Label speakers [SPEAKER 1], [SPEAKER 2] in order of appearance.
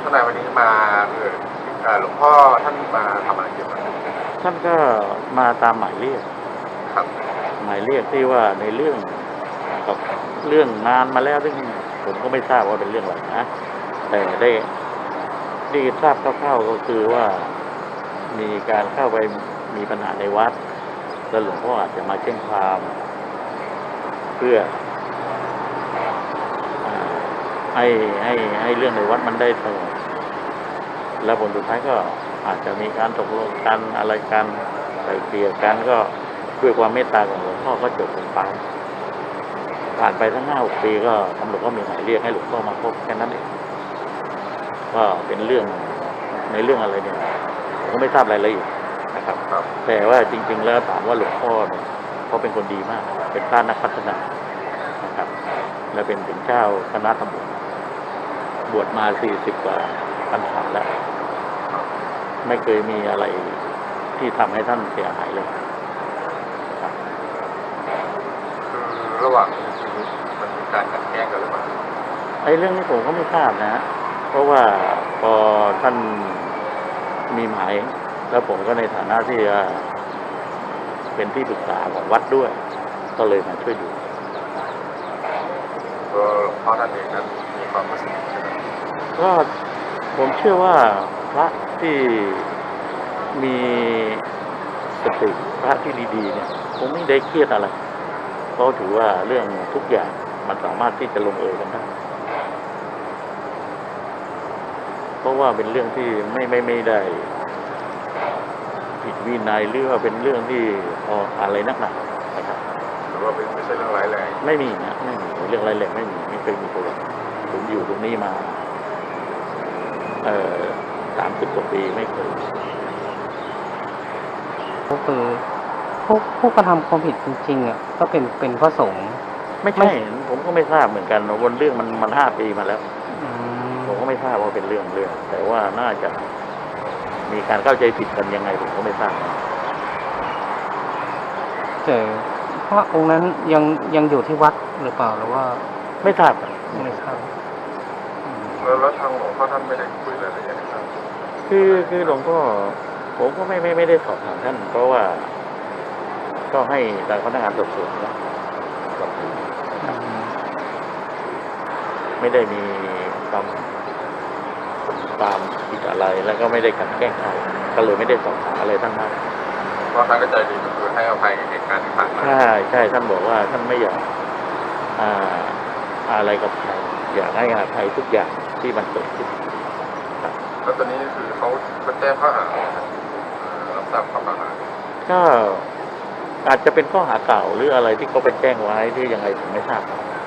[SPEAKER 1] ทนายวันนี้มาหลวงพ่อท่านมาทำอะไรเกี่ยวกับ
[SPEAKER 2] ท่านก็มาตามหมายเรียก
[SPEAKER 1] ครับ
[SPEAKER 2] หมายเรียกที่ว่าในเรื่องกับเรื่องงานมาแล้วซึ่งผมก็ไม่ทราบว่าเป็นเรื่องอะไรนะแต่ได้ทราบคร่าวๆก็คือว่ามีการเข้าไปมีปัญหาในวัดแล้วหลวงพ่ออาจจะมาแจ้งความเพื่อให้เรื่องในวัดมันได้สงบแล้วผลสุดท้ายก็อาจจะมีการตกลงกันอะไรกันไกล่เกลี่ยกันก็ด้วยความเมตตาของหลวงพ่อก็จบลงไปผ่านไปทั้ง5-6 ปีก็ตำรวจก็มีหมายเรียกให้หลวงพ่อมาพบแค่นั้นเองก็เป็นเรื่องในเรื่องอะไรเนี่ยผมก็ไม่ทราบรายละเอียดนะครับแต่ว่าจริงๆแล้วถามว่าหลวงพ่อเนี่ยเขาเป็นคนดีมากเป็นพระนักพัฒนานะครับและเป็นถึงเจ้าคณะตำรวจบวชมา40 กว่าพรรษาแล้วไม่เคยมีอะไรที่ทำให้ท่านเสียหายเลยครับ
[SPEAKER 1] คือระหว่างชีวิตมันมีการขัดแย้งกันหรือเปล่า
[SPEAKER 2] เรื่องนี้ผมก็ไม่ทราบนะเพราะว่าพอท่านมีหมายแล้วผมก็ในฐานะที่เป็นที่ปรึกษาของวัดด้วยก็เลยมาช่วยดู
[SPEAKER 1] หลวงพ่อท่านเองนั้นมีความรู้สึกใช่ไหม
[SPEAKER 2] ก็ผมเชื่อว่าพระที่มีสติพระที่ดีๆเนี่ยคงไม่ได้เครียดอะไรเพราะถือว่าเรื่องทุกอย่างมันสามารถที่จะลงเอยกันได้เพราะว่าเป็นเรื่องที่ไม่ได้ผิดวินัยหรือว่าเป็นเรื่องที่อะไรนักหนานะครับ
[SPEAKER 1] หรือว่าไม่ใช่เรื่องร้ายแรง
[SPEAKER 2] ไม่มีนะไม่มีเรื่องร้ายแรงไม่เคยมีตัวผมอยู่ตรงนี้มา30 กว่าปีไม่เคย
[SPEAKER 3] ก็คือผู้กระทำความผิดจริงๆอ่ะก็เป็นพระสงฆ์
[SPEAKER 2] ไม่ใช่ผมก็ไม่ทราบเหมือนกันวนเรื่องมัน5 ปีมาแล้วผมก็ไม่ทราบว่าเป็นเรื่องแต่ว่าน่าจะมีการเข้าใจผิดกันยังไงผมก็ไม่ทราบ
[SPEAKER 3] แต่พระองค์นั้นยังอยู่ที่วัดหรือเปล่าหรือว่า
[SPEAKER 2] ไม่ทราบ
[SPEAKER 3] ไม่ทราบ
[SPEAKER 1] แล้วทางหลวงพ่อท่านไม่ได้คุยรายละเอียดครับ
[SPEAKER 2] คือหลวงพ่อผมก็ไม่ได้สอบถามท่านเพราะว่าก็ให้ทางพนักงานสอบสวนไม่ได้มีความผิดอะไรแล้วก็ไม่ได้กันแกล้งใครก็เลยไม่ได้สอบถามอะไรท่านมาก
[SPEAKER 1] เพราะท่านก็ใจดีก็คือให้อภัยเหตุการณ์ที่ผ่านมา
[SPEAKER 2] ใช่ท่านบอกว่าท่านไม่อยากอะไรกับใครอยากให้อภัยทุกอย่างที่มันเกิดขึ้น
[SPEAKER 1] แล้วตอนนี้คือเขาแจ้งข้อหารับทราบข้อหา
[SPEAKER 2] ก็อาจจะเป็นข้อหาเก่าหรืออะไรที่เขาไปแจ้งไว้ที่ยังไงผมไม่ทราบ